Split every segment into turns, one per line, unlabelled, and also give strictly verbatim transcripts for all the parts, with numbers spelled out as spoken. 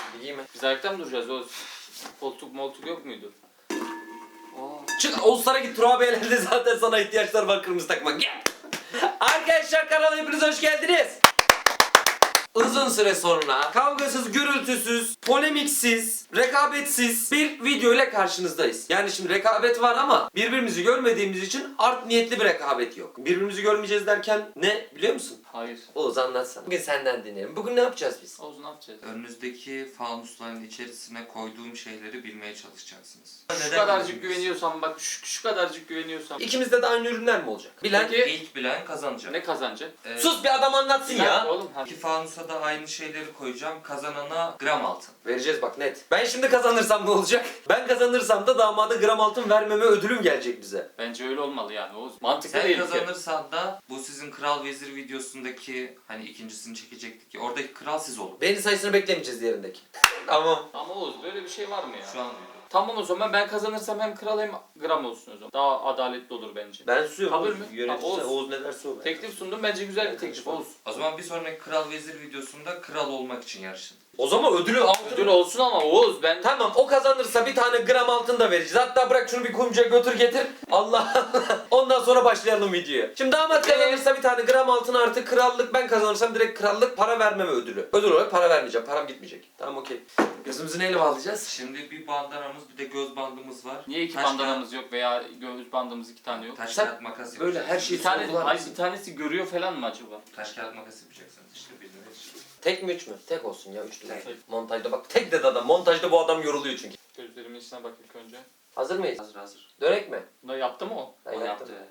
Bileyim mi?
Biz ayakta mı duracağız Oğuz? Koltuk moltuk yok muydu?
Aa. Çık Oğuzlar'a git. Turabiye'lerde zaten sana ihtiyaçlar var kırmızı takmak. Gel. Arkadaşlar kanala hepiniz hoş geldiniz. Uzun süre sonra kavgasız, gürültüsüz, polemiksiz, rekabetsiz bir video ile karşınızdayız. Yani şimdi rekabet var ama birbirimizi görmediğimiz için art niyetli bir rekabet yok. Birbirimizi görmeyeceğiz derken ne biliyor musun?
Hayır.
Oğuz anlatsana. Bugün senden dinleyelim. Bugün ne yapacağız biz?
Oğuz ne yapacağız?
Önünüzdeki fanusların içerisine koyduğum şeyleri bilmeye çalışacaksınız.
Şu kadarcık güveniyorsam bak şu, şu kadarcık güveniyorsam.
İkimizde de aynı ürünler mi olacak? Bilen...
Peki
İlk bilen kazanacak.
ne kazanacak?
Ee,
Sus bir adam anlatsın ya.
Oğlum ha.
İki fanusa da aynı şeyleri koyacağım. Kazanana gram altın.
Vereceğiz bak net. Ben şimdi kazanırsam ne olacak? Ben kazanırsam da damada gram altın vermeme ödülüm gelecek bize.
Bence öyle olmalı yani Oğuz. Mantıklı
Sen
değil ki.
kazanırsan da bu sizin Kral Vezir videosundaki hani ikincisini çekecektik ya oradaki kral siz olun.
Beğeni sayısını beklemeyeceğiz diğerindeki. Tamam.
Ama Oğuz böyle bir şey var mı ya?
Şu an
Tamam o zaman ben kazanırsam hem kral hem gram olsun o zaman. Daha adaletli olur bence.
Ben susuyorum.
Kabul
Oğuz.
mü?
Yönetici
Oğuz.
Oğuz. Oğuz ne derse o.
Teklif sundum bence güzel bir
Evet,
teklif
tamam.
Oğuz.
o zaman bir sonraki Kral Vezir videosunda kral olmak için yarışın.
O zaman ödülü altın.
Ödül olsun ama Oğuz ben...
Tamam o kazanırsa bir tane gram altın da vereceğiz. Hatta bırak şunu bir kuyumcuya götür getir. Allah Allah. Ondan sonra başlayalım videoya. Şimdi damat kazanırsa bir tane gram altın artı krallık. Ben kazanırsam direkt krallık para vermeme ödülü. Ödül olarak para vermeyeceğim. Param gitmeyecek. Tamam okey. Gözümüzü neyle bağlayacağız?
Şimdi bir bandanamız bir de göz bandımız var.
Niye iki
Taş
bandanamız yok veya göğüs bandımız iki tane yok?
kağıt- Taş
Sen
kağıt makas
böyle
yapacaksınız.
her şeyi
Bir tane,
sorgular
hayır
mısın?
bir tanesi görüyor falan mı acaba?
Taş kağıt makas yapacaksınız işte birine.
Tek mi üç mü? Tek olsun ya üç değil.
Tek.
Montajda bak tek dedi adam. Montajda bu adam yoruluyor çünkü.
Gözlerimin içine bak ilk önce.
Hazır mıyız?
Hazır hazır.
Dönek mi?
Bunu yaptı mı o?
Ben
O
yaptım.
yaptı.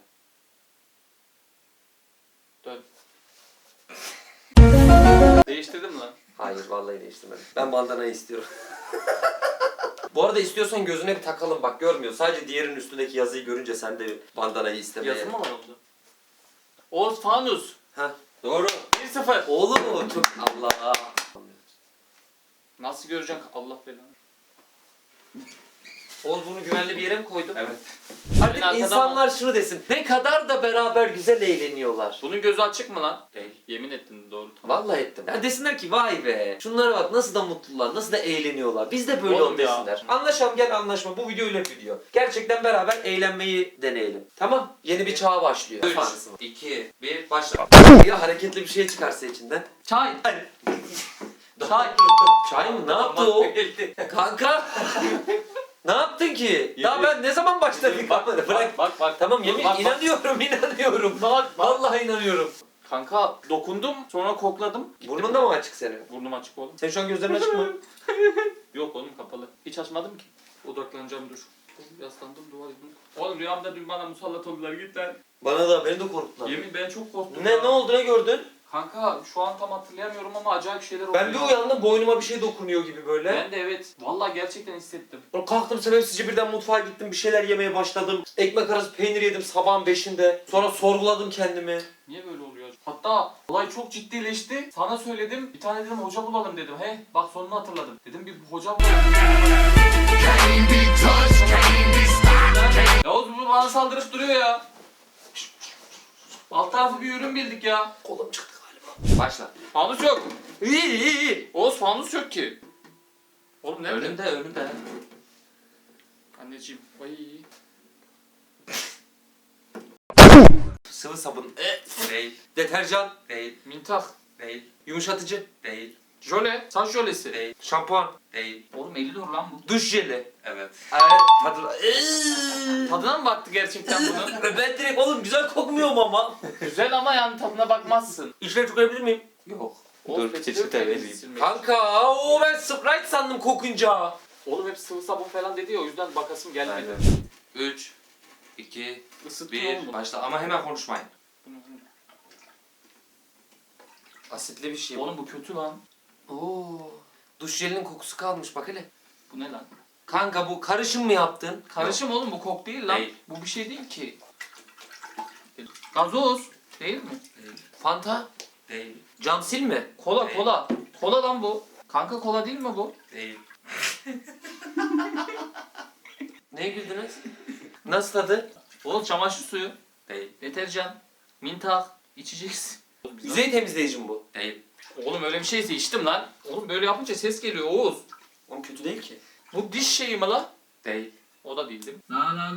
Dön. Değiştirdim lan.
Hayır vallahi değiştirmedim. Ben bandanayı istiyorum. Bu arada istiyorsan gözüne bir takalım bak görmüyor. Sadece diğerinin üstündeki yazıyı görünce sen de bandanayı istemeye.
Yazı mı var orada? Oğuz Fanus.
Heh, doğru.
bir sıfır.
Oğlum o çok Allah.
Nasıl göreceksin Allah belanı?
Oğuz bunu güvenli bir yere mi koydun?
Evet.
Artık
arkadan
insanlar şunu desin. Ne kadar da beraber güzel eğleniyorlar.
Bunun gözü açık mı lan?
Değil.
Yemin ettin doğru tamam.
Vallahi ettim. Ya desinler ki vay be. Şunlara bak nasıl da mutlular, nasıl da eğleniyorlar. Biz de böyle
Oğlum
ol
ya.
desinler. Anlaşalım gel anlaşma. Bu video ile video. Gerçekten beraber eğlenmeyi deneyelim. Tamam. Yeni bir çağ başlıyor.
üç,
Fansın.
iki, bir, başla.
Ya hareketli bir şey çıkarsa içinden.
Çay. Çay.
Çay mı? Ne yaptı o? Kanka. Ne yaptın ki? Daha
Yemin-
ben ne zaman başladık?
Bak
Bırak.
bak bak bak.
Tamam yemin
Bak, bak.
inanıyorum inanıyorum.
Bak bak.
Vallahi inanıyorum.
Kanka dokundum sonra kokladım.
Burnun da mı açık senin?
Burnum açık oğlum.
Senin şu an gözlerin açık mı?
Yok oğlum kapalı. Hiç açmadım ki. Odaklanacağım dur. Yaslandım duvar yudum. Oğlum rüyamda dün bana musallat oldular git lan.
Bana da beni de korktun.
Yemin ben çok korktum
Ne
ya.
ne oldu ne gördün?
Kanka şu an tam hatırlayamıyorum ama acayip şeyler oldu.
Ben bir
ya.
uyandım boynuma bir şey dokunuyor gibi böyle.
Ben de evet. Vallahi gerçekten hissettim.
Sonra kalktım sebepsizce birden mutfağa gittim bir şeyler yemeye başladım. Ekmek arası peynir yedim sabahın beşinde. Sonra sorguladım kendimi.
Niye böyle oluyor? Hatta olay çok ciddileşti. Sana söyledim. Bir tane dedim hoca bulalım dedim. He bak sonunu hatırladım. Dedim bir hoca bulalım. Yavuz bu bana saldırıp duruyor ya. Alt tarafı bir ürün bildik ya.
Kolum çıktı galiba.
Başla.
Fanus yok.
İyi iyi iyi.
Oğuz fanus yok ki. Oğlum nerede?
Önünde önünde.
Anneciğim. Ay.
Sıvı sabun.
Değil.
Deterjan.
Değil.
Mintak.
Değil.
Yumuşatıcı.
Değil.
Jöle. Saç jölesi.
Değil.
Şampuan.
Değil.
Oğlum elli lira lan bu.
Duş jeli.
Evet.
Evet. Tadı...
Tadına mı baktı gerçekten bunun?
Ben direkt oğlum güzel kokmuyor mu ama?
Güzel ama yani tadına bakmazsın.
İçine tükürebilir miyim?
Yok.
Oğlum peçete vereyim.
Kanka o ben Sprite sandım kokunca.
Oğlum hep sıvı sabun falan dedi ya o yüzden bakasım gelmedi.
Aynen. üç, iki,
Isıttın oğlum
bir,
bunu.
başla ama hemen konuşmayın.
Asitli bir şey.
Oğlum bu kötü lan.
Oo. Duş jelinin kokusu kalmış bak hele.
Bu ne lan?
Kanka bu karışım mı yaptın?
Karışım oğlum bu kok değil lan.
Değil.
Bu bir şey değil ki. Gazoz. Değil mi?
Değil.
Fanta?
Değil.
Camsil mi?
Kola
Değil.
kola. Kola lan bu. Kanka kola değil mi bu?
Değil.
Neye güldünüz? Nasıl tadı?
Oğlum çamaşır suyu.
Değil.
Deterjan. Mintak. İçeceksin.
Yüzey temizleyici mi bu?
Değil.
Oğlum öyle bir şeyse içtim lan. Oğlum böyle yapınca ses geliyor Oğuz.
Oğlum kötü değil ki.
Bu diş şeyi mi la?
Değil.
O da değil değil mi?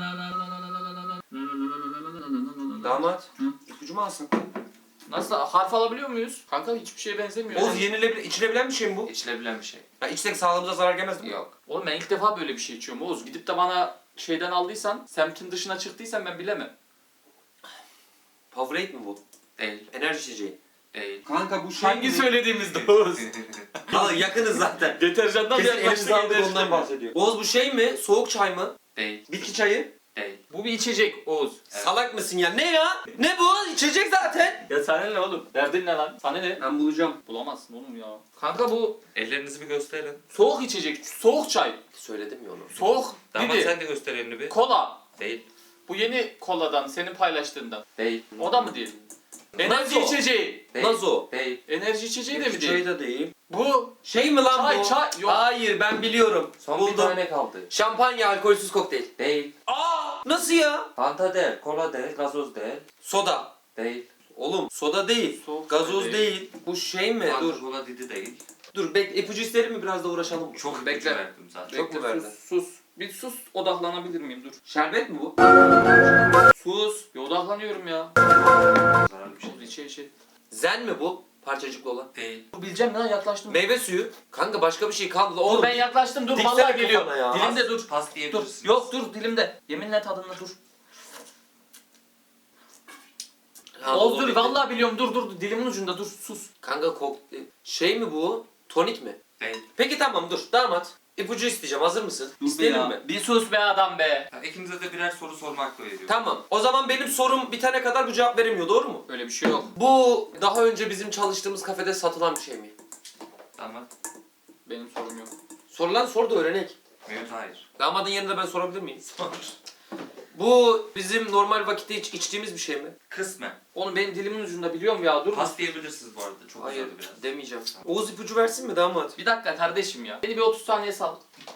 Damat. İpucu mu alsın?
Nasıl harf alabiliyor muyuz? Kanka hiçbir şeye benzemiyor.
Oğuz yenilebilir, içilebilen bir şey mi bu?
İçilebilen bir şey.
Ya içsek sağlığımıza zarar gelmez değil mi?
Yok.
Oğlum ben ilk defa böyle bir şey içiyorum Oğuz. Gidip de bana şeyden aldıysan, semtin dışına çıktıysan ben bilemem.
Powerade mi bu?
Değil.
Enerji içeceği.
Değil.
Kanka bu şey
Hangi
mi?
söylediğimizde Oğuz?
Aa yakınız zaten.
Deterjandan
Kesin
yaklaştık
elimize aldık
enerji
ondan
mi?
bahsediyor. Oğuz bu şey mi? Soğuk çay mı?
Değil.
Bitki çayı?
Değil.
Bu bir içecek Oğuz.
Evet.
Salak mısın ya? Ne ya? Ne bu? İçecek zaten.
Ya sana ne oğlum? Derdin ne lan? Sana ne?
Ben bulacağım.
Bulamazsın oğlum ya. Kanka bu
Ellerinizi bir gösterin.
soğuk içecek, soğuk çay.
Söyledim ya onu.
Soğuk
Damat
dedi.
sen de göster elini bir.
Kola.
Değil.
Bu yeni koladan, senin paylaştığından.
Değil.
O da mı değil? Enerji
Nasıl?
içeceği.
Değil.
Nazo.
Değil.
Enerji içeceği de mi
Bitki
değil?
çayı da değil.
Bu
Şey mi lan
çay,
bu?
çay. Yok.
Hayır ben biliyorum.
Son
Buldum.
bir tane kaldı.
Şampanya alkolsüz kokteyl.
Değil.
Aa! Nasıl ya?
Fanta değil. Kola değil. Gazoz değil.
Soda.
Değil.
Oğlum soda değil.
Soğuk
Gazoz
çay
değil. Bu şey mi?
Fanta
Dur.
kola didi değil.
Dur bek ipucu isterim mi biraz da uğraşalım.
Çok
Bekle.
ipucu verdim zaten.
Çok mu
Bekle,
verdin?
Sus, sus. Bir sus, odaklanabilir miyim? Dur.
Şerbet mi bu?
Sus. Bir odaklanıyorum ya.
Zararlı bir şey.
Oğuz içe içe.
Zen mi bu? Parçacıklı olan.
Değil.
Dur bileceğim lan yaklaştım.
Meyve suyu. Kanka başka bir şey kalmadı.
Dur
Oğlum
ben yaklaştım dur
diksene
vallahi geliyor.
kafana ya.
Dilimde dur.
Pas
Dur.
diyebilirsiniz.
Yok dur dilimde. Yeminle tadında dur.
Ha,
Oğuz
olur
dur
dedi.
vallahi biliyorum dur dur dilimin ucunda dur sus.
Kanka kokteyl. Şey mi bu? Tonik mi?
Değil.
Peki tamam dur. Damat. İpucu isteyeceğim. Hazır mısın?
Dur be
İsteyelim
ya.
mi?
Bir sus be adam be.
Ya, ikinize de birer soru sorma hakkı veriyorum.
Tamam. O zaman benim sorum bitene kadar bu cevap veremiyor. Doğru mu?
Öyle bir şey yok.
Bu daha önce bizim çalıştığımız kafede satılan bir şey mi?
Damat.
Benim sorum yok.
Sorulan sor da öğrenek.
Mevcut hayır.
Damadın yerine ben sorabilir miyim?
Sor.
Bu bizim normal vakitte iç, içtiğimiz bir şey mi?
Kısmen.
Oğlum benim dilimin ucunda biliyorum ya dur.
Pas diyebilirsiniz bu arada. Çok
Hayır
uzadı biraz.
demeyeceğim. Oğuz ipucu versin mi damat?
Bir dakika kardeşim ya. Beni bir otuz saniye sal.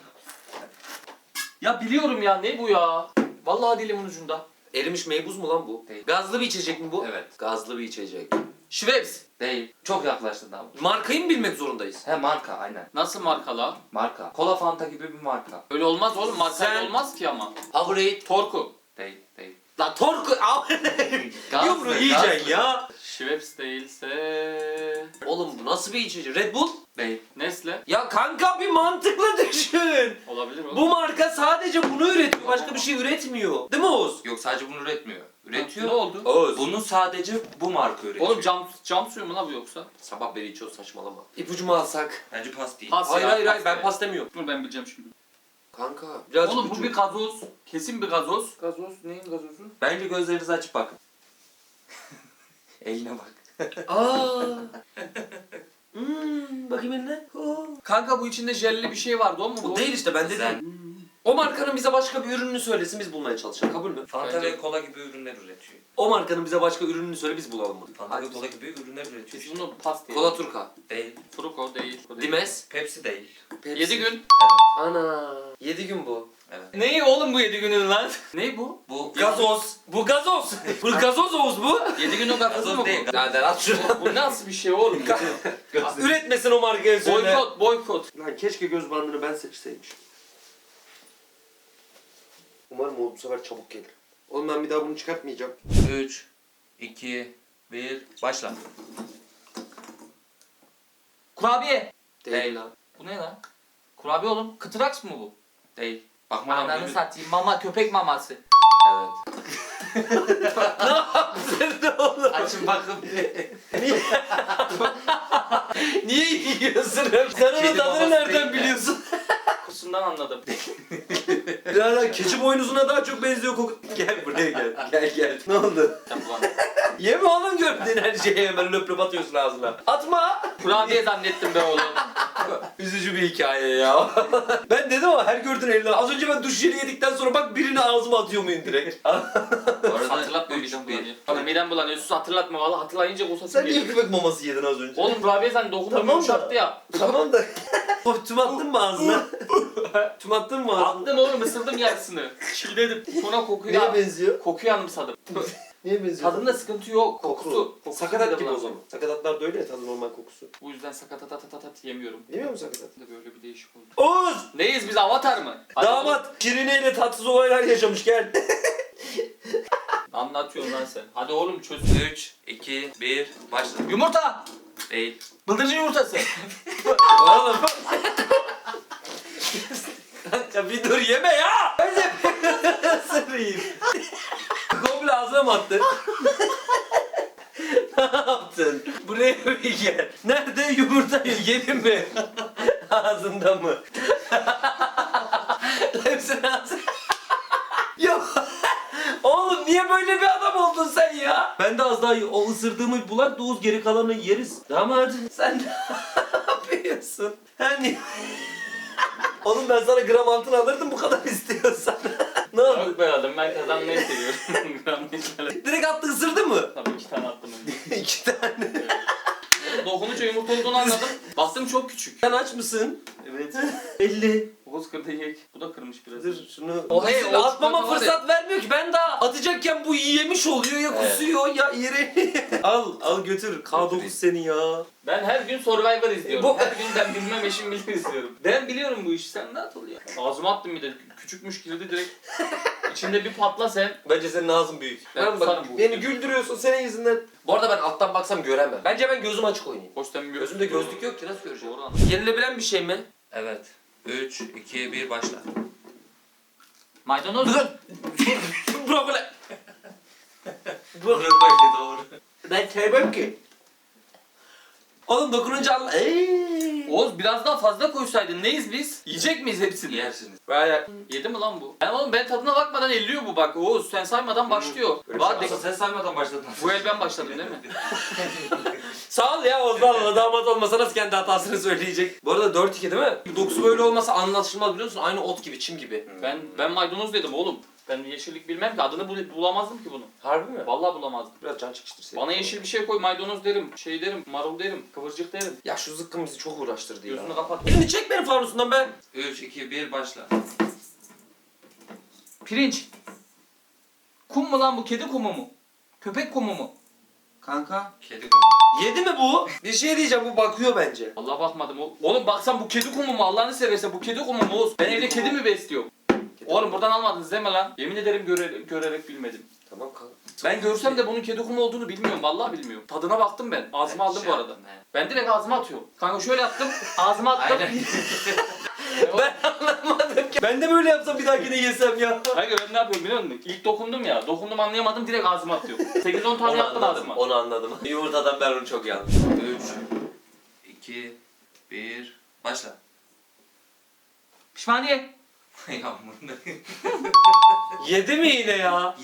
Ya biliyorum ya ne bu ya? Vallahi dilimin ucunda.
Erimiş meybuz mu lan bu?
Değil.
Gazlı bir içecek mi bu?
Evet.
Gazlı bir içecek.
Schweppes.
Değil. Çok yaklaştın Damat.
Markayı mı bilmek zorundayız?
He marka aynen.
Nasıl marka la?
Marka. Kola Fanta gibi bir marka.
Öyle olmaz oğlum marka
Sen-
olmaz ki ama.
Powerade.
Torku.
Değil. Değil.
La Torku.
Gazlı,
Yumru yiyeceksin
gazlı.
ya.
Schweppes değilse...
Oğlum bu nasıl bir içecek? Red Bull?
Değil.
Nesle.
Ya kanka bir mantıklı düşün.
Olabilir oğlum.
Bu marka sadece bunu üretiyor. Başka bir şey üretmiyor. Değil mi Oğuz?
Yok sadece bunu üretmiyor. Üretiyor.
Ne oldu?
Oğuz.
Bunu sadece bu marka üretiyor.
Oğlum cam, cam suyu mu la bu yoksa?
Sabah beri içiyor saçmalama. İpucu mu alsak?
Bence pas değil.
Pas
Hayır
ya,
hayır hayır
pas
ben
de.
pas demiyorum.
Dur ben bileceğim şimdi.
Kanka biraz
Oğlum bu
ipucu.
bir gazoz. Kesin bir gazoz. Gazoz neyin gazozu?
Bence gözlerinizi açıp bakın. Eline bak.
Aa. Hmm, bakayım eline. Oo.
Kanka bu içinde jelli bir şey vardı o mu bu?
Bu değil işte ben dedim.
Zen.
O markanın bize başka bir ürününü söylesin biz bulmaya çalışalım. Kabul mü?
Fanta
Bence-
ve kola gibi ürünler üretiyor.
O markanın bize başka ürününü söyle biz bulalım bunu.
Fanta ve
Hadi.
kola gibi ürünler üretiyor.
Biz bunu pas diye.
Kola Turka.
Değil.
Fruko değil.
Dimes.
Pepsi değil.
Pepsi.
yedi gün.
Evet.
Ana. yedi gün bu.
Evet.
Neyi oğlum bu yedi günün lan? ne bu?
Bu
Gazoz. Bu gazoz. bu gazoz Oğuz bu.
yedi günün gazozu
Gazoz
mu
değil.
bu?
Nereden at şunu.
Bu nasıl bir şey oğlum?
Üretmesin o markayı söyle.
boykot, boykot.
Lan keşke göz bandını ben seçseymiş. Umarım o bu sefer çabuk gelir. Oğlum ben bir daha bunu çıkartmayacağım.
üç, iki, bir, başla.
Kurabiye.
Değil lan.
Bu ne lan? Kurabiye oğlum. Kıtıraks mı bu?
Değil. Bakma lan.
Ananı
böyle-
satayım. Mama, köpek maması.
Evet.
Ne yaptın ne oğlum?
Açın bakın.
Niye? Niye yiyorsun hep? Sen onun
Kedi
tadını
babası
nereden
değil mi?
biliyorsun?
Kokusundan anladım.
Ya lan keçi boynuzuna daha çok benziyor koku. Gel buraya gel. Gel gel. Ne oldu?
Yapılan.
Yeme oğlum gördüğün her şeyi hemen löp löp atıyorsun ağzına. Atma.
Kurabiye zannettim be oğlum.
Üzücü bir hikaye ya. Ben dedim ama her gördüğün eline. Az önce ben duş jeli yedikten sonra bak birini ağzıma atıyor muyum direkt?
Bu arada
Hatırlatma
üç,
midem
bir.
bulanıyor. Bana midem bulanıyor. Sus hatırlatma valla. Hatırlayınca kusasım
Sen niye
geliyor.
köpek maması yedin az önce?
Oğlum kurabiye zannettim. Dokunma
Tamam da-
yumuşaktı ya.
Tamam da. Tüm attın mı ağzına? Tüm attın mı ağzına?
Attım oğlum ısırdım yarısını. Çiğnedim. Sonra kokuyu,
Neye benziyor?
kokuyu anımsadım.
Niye benziyor?
Tadında sıkıntı yok. Kokusu. Kokusu
Sakatat
bile
gibi o
bulamıyorum.
zaman. Sakatatlar da öyle ya, tadı normal kokusu.
Bu yüzden sakatat at at at yemiyorum.
Yemiyor musun sakatat?
De böyle bir değişik oldu.
Oğuz!
Neyiz biz, Avatar mı? Hadi oğlum.
Damat Şirine ile tatsız olaylar yaşamış, gel.
Anlatıyorsun lan sen. Hadi oğlum çöz.
üç, iki, bir, başla.
Yumurta!
Değil.
Bıldırcın yumurtası.
Oğlum. Ya bir dur, yeme ya. Önce ısırayım. Komple ağzına mı attın? Ne yaptın? Buraya bir gel. Nerede yumurtayı yedin mi? Ağzında mı? Hepsini ağzına. Yok. Oğlum niye böyle bir adam oldun sen ya? Ben de az daha o ısırdığımı bulak Doğuz, geri kalanını yeriz. Damat sen ne yapıyorsun? Hani oğlum ben sana gram altın alırdım bu kadar istiyorsan. Ne oldu?
Yok be adam, ben kazanmayı seviyorum. Gram geçmeli.
Direkt attı, ısırdı mı?
Tabii iki tane attım önce.
İki tane.
Dokununca yumurta olduğunu anladım. Baktım çok küçük.
Sen aç mısın?
Evet.
elli.
Oğuz kırdı yiyek. Bu da kırmış biraz.
Dur şunu.
O hey, o
atmama
çikolata var
fırsat vermiyor ki. Ben daha atacakken bu yemiş oluyor ya,
Evet.
kusuyor ya yeri. Al al götür. K dokuz seni ya.
Ben her gün Survivor izliyorum.
Bu-
Her gün ben bilmem eşim bilir izliyorum. Ben biliyorum bu işi, sen rahat ol ya. Ağzıma attım bir de, küçükmüş girdi direkt. İçinde bir patla sen.
Bence senin ağzın büyük.
Ben
Ben bak,
kusarım bu
beni
videoda.
güldürüyorsun senin yüzünden. Bu arada ben alttan baksam göremem. Bence ben gözüm açık oynayayım.
Hoş sen bir
Gözümde gözlük yok ki, nasıl göreceğim?
Doğru anladım.
Yenilebilen bir şey mi?
Evet. üç, iki, bir, başla.
Maydanoz.
Brokoli.
Brokoli doğru.
Ben sevmem ki. Oğlum dokununca Allah. Eee.
Oğuz biraz daha fazla koysaydın, neyiz biz? Yiyecek miyiz hepsini?
Yersiniz.
Bayağı.
Yedi mi lan bu? Ben oğlum, ben tadına bakmadan elliyor bu bak. Oğuz sen saymadan başlıyor.
Öyle
Var
şey
de-
Aslında sen saymadan başladın.
Bu el ben başladım değil mi?
Sağ ol ya Ozan'la, damat olmasa nasıl kendi hatasını söyleyecek. Bu arada dört iki değil mi? Dokusu böyle olmasa anlaşılmaz, biliyor musun? Aynı ot gibi, çim gibi.
Ben ben maydanoz dedim oğlum. Ben yeşillik bilmem ki, adını bul- bulamazdım ki bunu.
Harbi mi?
Vallahi bulamazdım.
Biraz can çekiştir seni.
Bana yeşil bir şey koy, maydanoz derim, şey derim, marul derim, kıvırcık derim.
Ya şu zıkkım bizi çok uğraştırdı ya.
Gözünü kapat.
Elini çek benim fanusundan be.
üç, iki, bir, başla.
Pirinç. Kum mu lan bu? Kedi kumu mu? Köpek kumu mu?
Kanka.
Kedi kumu.
Yedi mi bu? Bir şey diyeceğim, bu bakıyor bence.
Allah bakmadım. o- Oğlum baksan bu kedi kumu mu? Allah'ını seversen bu kedi kumu mu Oğuz? Ben evde kedi mi besliyorum? Oğlum buradan almadınız deme lan. Yemin ederim göre- görerek bilmedim.
Tamam kanka.
Ben görsem de bunun kedi kumu olduğunu bilmiyorum. Vallahi bilmiyorum. Tadına baktım ben. Ağzıma aldım
Şey
bu arada.
yaptın, he.
Ben direkt ağzıma atıyorum. Kanka şöyle yaptım. Ağzıma attım.
Aynen.
Ben anlamadım ki. Ben de böyle yapsam bir dahakine yesem ya.
Kanka ben ne yapıyorum biliyor musun? İlk dokundum ya. Dokundum anlayamadım, direkt ağzıma atıyorum. sekiz on tane
Onu
yaptım
anladım,
ağzıma.
onu anladım. Yumurtadan ben onu çok yandım.
üç, iki, bir, başla.
Pişmaniye.
Ya bunu
Yedi mi yine ya?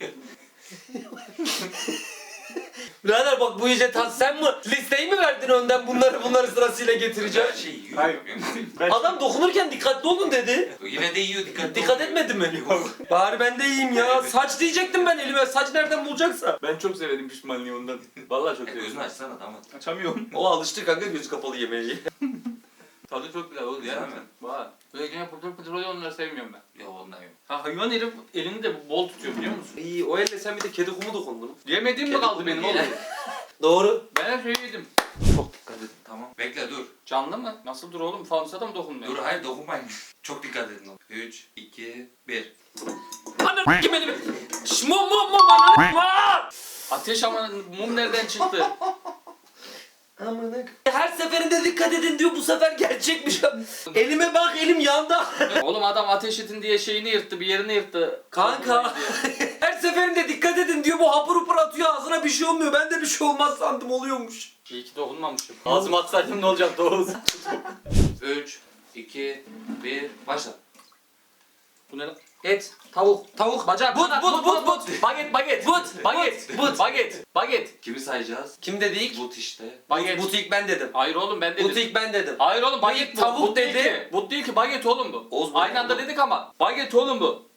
Birader bak, bu iyice tat, sen mi listeyi mi verdin önden, bunları bunları sırasıyla getireceğim?
Her şey yiyor.
Hayır. Adam dokunurken dikkatli olun dedi.
Yine de yiyor, dikkat
Dikkat etmedi mi? Bari ben de yiyeyim ya. Saç diyecektim ben elime. Saç nereden bulacaksa?
Ben çok severim pişmanlığı ondan. Vallahi çok
Ya
severim.
gözünü açsana damat.
Açamıyorum.
O alıştı kanka gözü kapalı yemeği.
Tadı çok güzel oğlum.
Yer
Yer
mi?
Var. Böyle gene pıtır pıtır oluyor, onları sevmiyorum ben.
Yok ondan yok.
Ha, hayvan herif elini de bol tutuyor biliyor musun?
İyi, o elle sen bir de kedi kumu dokundun.
Yemediğim mi
Kedi
kaldı
kumu
benim
ye.
oğlum?
Doğru.
Ben her şeyi yedim.
Çok dikkat edin.
Tamam. Bekle dur.
Canlı mı? Nasıl dur oğlum? Fanusa da mı dokunmuyor?
Dur hayır dokunmayın. Çok dikkat edin. üç, iki, bir.
Ananı kim elimi? Şş, mum mum mum ananı var.
Ateş ama mum nereden çıktı?
Amına. Her seferinde dikkat edin diyor, bu sefer gerçekmiş. Elime bak, elim yandı.
Oğlum adam ateş edin diye şeyini yırttı, bir yerini yırttı.
Kanka. Her seferinde dikkat edin diyor, bu hapur hapur atıyor, ağzına bir şey olmuyor. Ben de bir şey olmaz sandım, oluyormuş.
İyi ki dokunmamışım. Ağzıma atsaydım ne olacaktı Oğuz?
üç, iki, bir, başla.
Bu ne lan? Et, tavuk, tavuk, bacak,
But,
kanat,
but, but, but.
baget, baget,
But,
baget,
but, but.
baget, baget,
Kimi sayacağız?
Kim dedi ilk?
But işte.
baget.
But ilk ben dedim.
Hayır oğlum ben dedim.
But ilk ben dedim.
Hayır oğlum baget bu.
Tavuk
But değil
dedi.
ki. But değil ki, baget oğlum bu.
Oğuz bu
Aynı anda
oğlum.
dedik ama. Baget oğlum bu.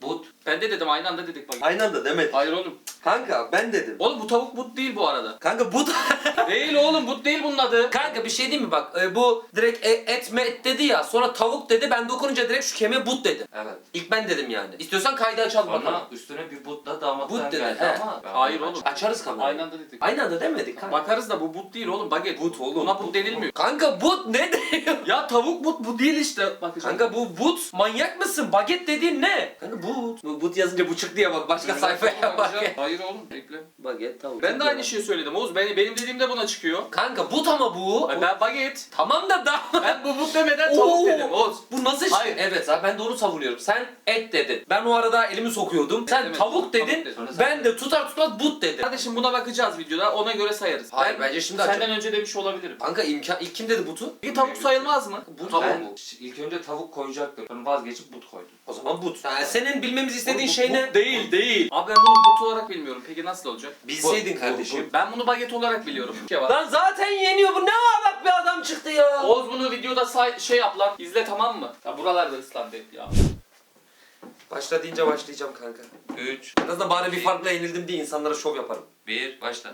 But.
Ben de dedim aynı anda dedik bak.
Aynı anda demedik.
Hayır oğlum.
Kanka ben dedim.
Oğlum bu tavuk but değil bu arada.
Kanka but.
Değil oğlum but değil bunun adı.
Kanka bir şey diyeyim mi bak e, bu direkt e, et me et dedi ya sonra tavuk dedi ben dokununca direkt şu kemiğe but dedi.
Evet.
İlk ben dedim yani. İstiyorsan kaydı açalım bakalım.
Sonra üstüne bir butla damatlar
But dedi,
geldi
he.
ama. ben
Hayır
bunu
oğlum.
Açarız kamerayı.
Aynı anda dedik.
Aynı anda demedik kanka.
Bakarız da bu but değil oğlum baget.
But oğlum.
Buna but denilmiyor.
Kanka but ne diyor?
Ya tavuk but bu değil işte. Bakacağım.
Kanka bu but manyak mısın? Baget dediğin ne? Kanka but. Bu but yazınca bu çıktı ya bak başka sayfaya bak.
Hayır oğlum bekle.
Baget tavuk.
Ben de aynı şeyi söyledim Oğuz. Benim, benim dediğimde buna çıkıyor.
Kanka but ama bu.
Ay ben baget.
Tamam da da.
Ben bu but demeden tavuk
Oo.
dedim Oğuz.
Bu nasıl şey?
Hayır.
Evet abi ben de onu savunuyorum. Sen et dedin. Ben o arada elimi sokuyordum. Sen
Evet,
tavuk
tavuk
dedin.
dedin.
Sonra sen
Ben de tutar tutmaz but dedim.
Kardeşim buna bakacağız videoda ona göre sayarız.
Hayır,
Ben
bence şimdi
senden
açalım.
önce demiş olabilirim.
Kanka imkan ilk kim dedi butu?
Bir tavuk sayılmaz mı?
Bu
Tavuk
Ben
mu?
ilk önce tavuk koyacaktım. Sonra vazgeçip but koydum.
O zaman but. Yani senin bilmemizi istediğin
Oğlum,
şey
bu
ne?
but değil değil. Abi ben bunu but olarak bilmiyorum. Peki nasıl olacak?
Bilseydin
Bu-
kardeşim.
bu- Ben bunu baget olarak biliyorum. Bir şey var.
Lan zaten yeniyor bu. Ne ağlak bir adam çıktı ya.
Oğuz bunu videoda say şey yap lan. İzle tamam mı? Ya buralarda ıslandı hep ya.
Başla deyince başlayacağım kanka.
üç,
En azından bari bir farkla yenildim diye insanlara şov yaparım.
bir, başla.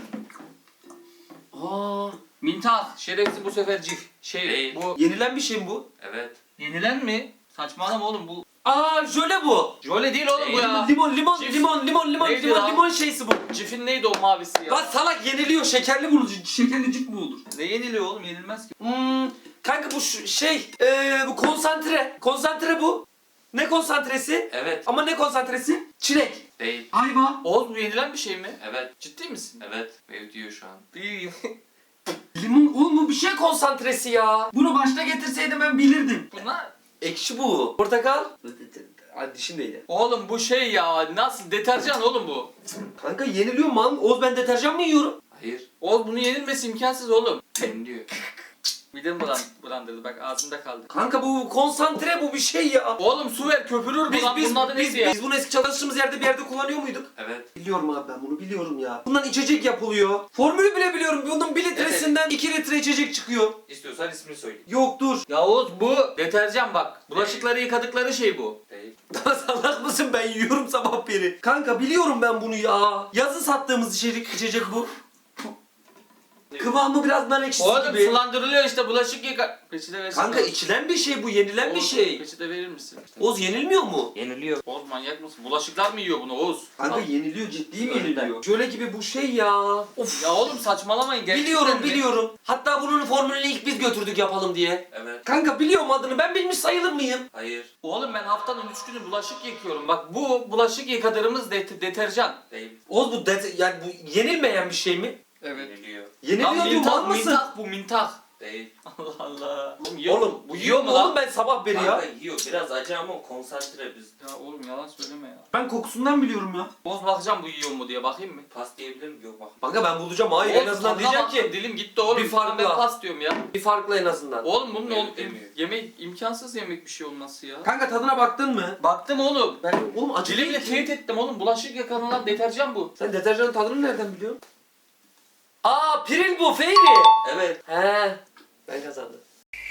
Aa, Mintah. Şerefsiz bu sefer cif. Şey
Değil.
bu.
Yenilen bir şey mi bu?
Evet.
Yenilen mi? Saçmalama oğlum bu.
Aa jöle bu.
Jöle değil oğlum bu
Değil.
ya.
Limon limon
Cif.
limon limon limon
Neydi
limon
lan?
limon şeysi bu.
Cifin neydi o mavisi ya?
Lan salak yeniliyor şekerli bu. Şekerli cip mi olur?
Ne yeniliyor oğlum? Yenilmez ki.
Hmm, kanka bu şu- şey eee bu konsantre. Konsantre bu. Ne konsantresi?
Evet.
Ama ne konsantresi? Çilek.
Değil.
Ayva.
Oğuz bu yenilen bir şey mi?
Evet.
Ciddi misin?
Evet. Ve diyor şu an.
Değil.
Limon oğlum bu bir şey konsantresi ya. Bunu başta getirseydim ben bilirdim.
Bunlar...
Ekşi bu. Portakal. Hadi dişim değdi.
Oğlum bu şey ya nasıl deterjan oğlum bu.
Kanka yeniliyor mu lan? Oğuz ben deterjan mı yiyorum?
Hayır.
Oğuz bunu yenilmesi imkansız oğlum.
Yeniliyor.
Midem bulan, bulandırdı bak ağzımda kaldı.
Kanka bu konsantre bu bir şey ya.
Oğlum su ver köpürür bu
Biz
lan
biz
bunun adı
biz,
neydi ya?
biz bunu eski çalıştığımız yerde bir yerde kullanıyor muyduk?
Evet.
Biliyorum abi ben bunu biliyorum ya. Bundan içecek yapılıyor. Formülü bile biliyorum. Bunun bir litresinden iki litre içecek çıkıyor.
İstiyorsan ismini söyle.
Yoktur.
Ya Oğuz bu deterjan bak. Bulaşıkları yıkadıkları şey bu.
Değil.
Daha salak mısın ben yiyorum sabah beri. Kanka biliyorum ben bunu ya. Yazın sattığımız içecek, içecek bu. Kıvamı biraz nar ekşisi
Oğlum
gibi.
sulandırılıyor işte bulaşık yıka... Peçete versene.
Kanka içilen bir şey bu, yenilen bir
Oğuz,
şey.
Peçete verir misin?
Oğuz yenilmiyor mu?
Yeniliyor.
Oğuz manyak mısın? Bulaşıklar mı yiyor bunu Oğuz?
Kanka
Al.
yeniliyor, ciddi mi
Önden.
yeniliyor? Şöyle gibi bu şey ya. Of.
Ya oğlum saçmalamayın gerçekten
Biliyorum
mi?
biliyorum. Hatta bunun formülünü ilk biz götürdük yapalım diye.
Evet.
Kanka biliyorum adını, ben bilmiş sayılır mıyım?
Hayır.
Oğlum ben haftanın üç günü bulaşık yıkıyorum. Bak bu bulaşık yıkadığımız det- deterjan.
Değil.
Oğuz bu det yani bu yenilmeyen bir şey mi?
Evet.
Yeniliyor.
Yeniliyor
Lan
diyor mal
mintah,
mısın?
mintah bu mintah.
Değil.
Allah Allah. Oğlum yiyor
Oğlum
mu?
bu yiyor mu
lan?
oğlum ben sabah beri ya?
Kanka yiyor. Biraz acı ama konsantre biz.
Ya oğlum yalan söyleme ya.
Ben kokusundan biliyorum ya.
Boz bakacağım bu yiyor mu diye bakayım mı?
Pas diyebilir miyim? Yok bak.
Kanka ben bulacağım hayır
Oğlum,
en azından
tadına
diyeceğim
baktım,
ki
dilim gitti oğlum.
bir farkla.
Ben pas diyorum ya.
bir farklı en azından.
Oğlum bunun
Evet,
ol-
demiyor.
yemek imkansız yemek bir şey olması ya.
Kanka tadına baktın mı?
Baktım oğlum.
Ben oğlum acı
Dilimle
değil ki.
teyit ettim oğlum. Bulaşık yıkanılan deterjan bu.
Sen deterjanın tadını nereden biliyorsun? Aa piril bu Feyri.
Evet.
He. Ben kazandım.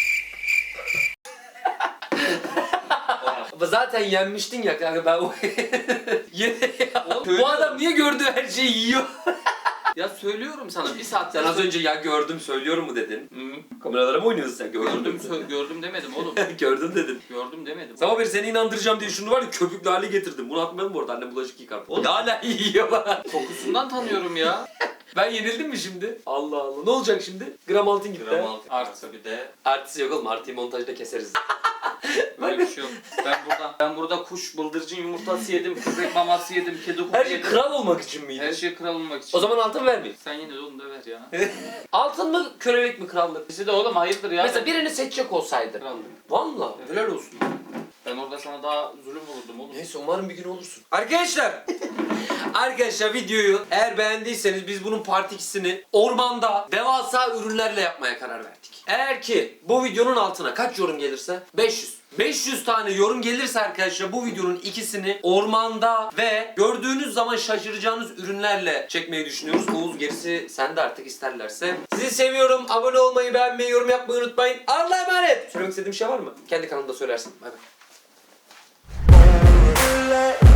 Ama zaten yenmiştin ya kanka ben o Yine ya.
Oğlum,
Bu adam niye gördüğü her şeyi yiyor?
Ya söylüyorum sana bir saat
Sen az önce ya gördüm söylüyorum mu dedin?
Hı.
Kameralara mı oynuyorsun sen?
Gördüm,
Gördüm.
sö- gördüm demedim oğlum.
Gördüm dedin.
Gördüm demedim.
Sabah beri seni inandıracağım diye şunu var ya köpüklü hale getirdim. Bunu atmadım bu arada annem bulaşık yıkar. O da hala yiyor bana.
Kokusundan tanıyorum ya.
Ben yenildim mi şimdi? Allah Allah. Ne olacak şimdi? Gram altın gitti.
Gram altı.
Artı.
Artı bir de.
Artisi yok oğlum. Artıyı montajda keseriz.
Böyle bir şey yok. Ben burada ben burada kuş bıldırcın yumurtası yedim, köpek maması yedim, kedi kuku
Her şey
yedim.
kral olmak için miydi?
Her şey kral olmak için.
O zaman altın vermeyin.
Sen yine de onu da ver ya.
Altın mı kölelik mi krallık?
İkisi de oğlum hayırdır ya.
Mesela birini seçecek olsaydı.
Krallık.
Valla helal olsun.
Ben orada sana daha zulüm olurdum oğlum.
Neyse umarım bir gün olursun. Arkadaşlar. Arkadaşlar videoyu eğer beğendiyseniz biz bunun part ikisini ormanda devasa ürünlerle yapmaya karar verdik. Eğer ki bu videonun altına kaç yorum gelirse? beş yüz. beş yüz tane yorum gelirse arkadaşlar bu videonun ikisini ormanda ve gördüğünüz zaman şaşıracağınız ürünlerle çekmeyi düşünüyoruz. Oğuz gerisi sende artık isterlerse. Sizi seviyorum. Abone olmayı, beğenmeyi, yorum yapmayı unutmayın. Allah'a emanet. Söylemek istediğim şey var mı? Kendi kanalımda söylersin. Bay bay.
Let